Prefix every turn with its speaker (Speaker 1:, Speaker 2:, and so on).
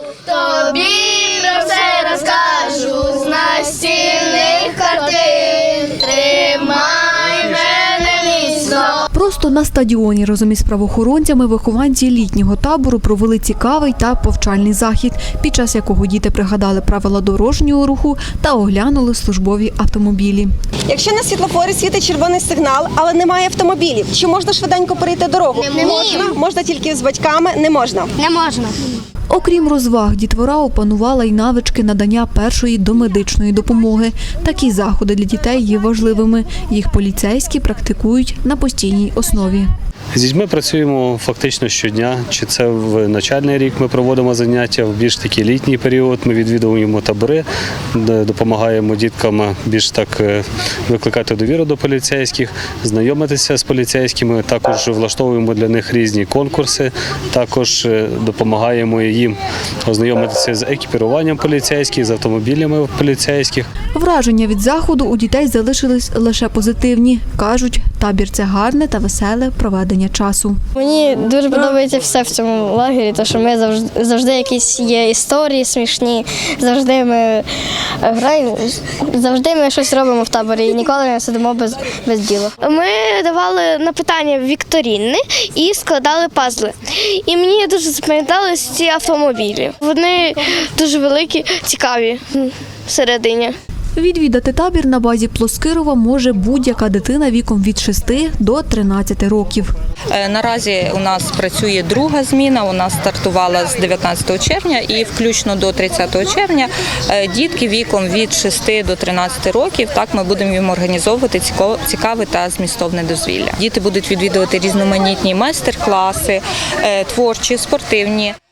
Speaker 1: Тобі про все розкажу з настільних картин. Тримай мене міцно.
Speaker 2: Просто на стадіоні разом із правоохоронцями вихованці літнього табору провели цікавий та повчальний захід, під час якого діти пригадали правила дорожнього руху та оглянули службові автомобілі.
Speaker 3: Якщо на світлофорі світить червоний сигнал, але немає автомобілів, чи можна швиденько перейти дорогу?
Speaker 1: Не
Speaker 3: можна. Можна тільки з батьками, не можна.
Speaker 1: Не можна.
Speaker 2: Окрім розваг, дітвора опанувала й навички надання першої домедичної допомоги. Такі заходи для дітей є важливими. Їх поліцейські практикують на постійній основі.
Speaker 4: З дітьми працюємо фактично щодня. Чи це в навчальний рік ми проводимо заняття, в більш такий літній період ми відвідуємо табори, де допомагаємо діткам більш так викликати довіру до поліцейських, знайомитися з поліцейськими, також влаштовуємо для них різні конкурси, також допомагаємо їм ознайомитися з екіпіруванням поліцейських, з автомобілями поліцейських.
Speaker 2: Враження від заходу у дітей залишились лише позитивні. Кажуть, табір – це гарне та веселе проведення часу.
Speaker 5: Мені дуже подобається все в цьому лагері, тому що ми завжди якісь є історії смішні, завжди ми граємо, завжди ми щось робимо в таборі і ніколи не сидимо без діла.
Speaker 6: Ми давали на питання вікторини і складали пазли. І мені дуже запам'ятались ці автомобілі. Вони дуже великі, цікаві всередині.
Speaker 2: Відвідати табір на базі Плоскирова може будь-яка дитина віком від 6 до 13 років.
Speaker 7: Наразі у нас працює друга зміна, у нас стартувала з 19 червня і включно до 30 червня дітки віком від 6 до 13 років, так ми будемо їм організовувати цікаве та змістовне дозвілля. Діти будуть відвідувати різноманітні майстер-класи, творчі, спортивні.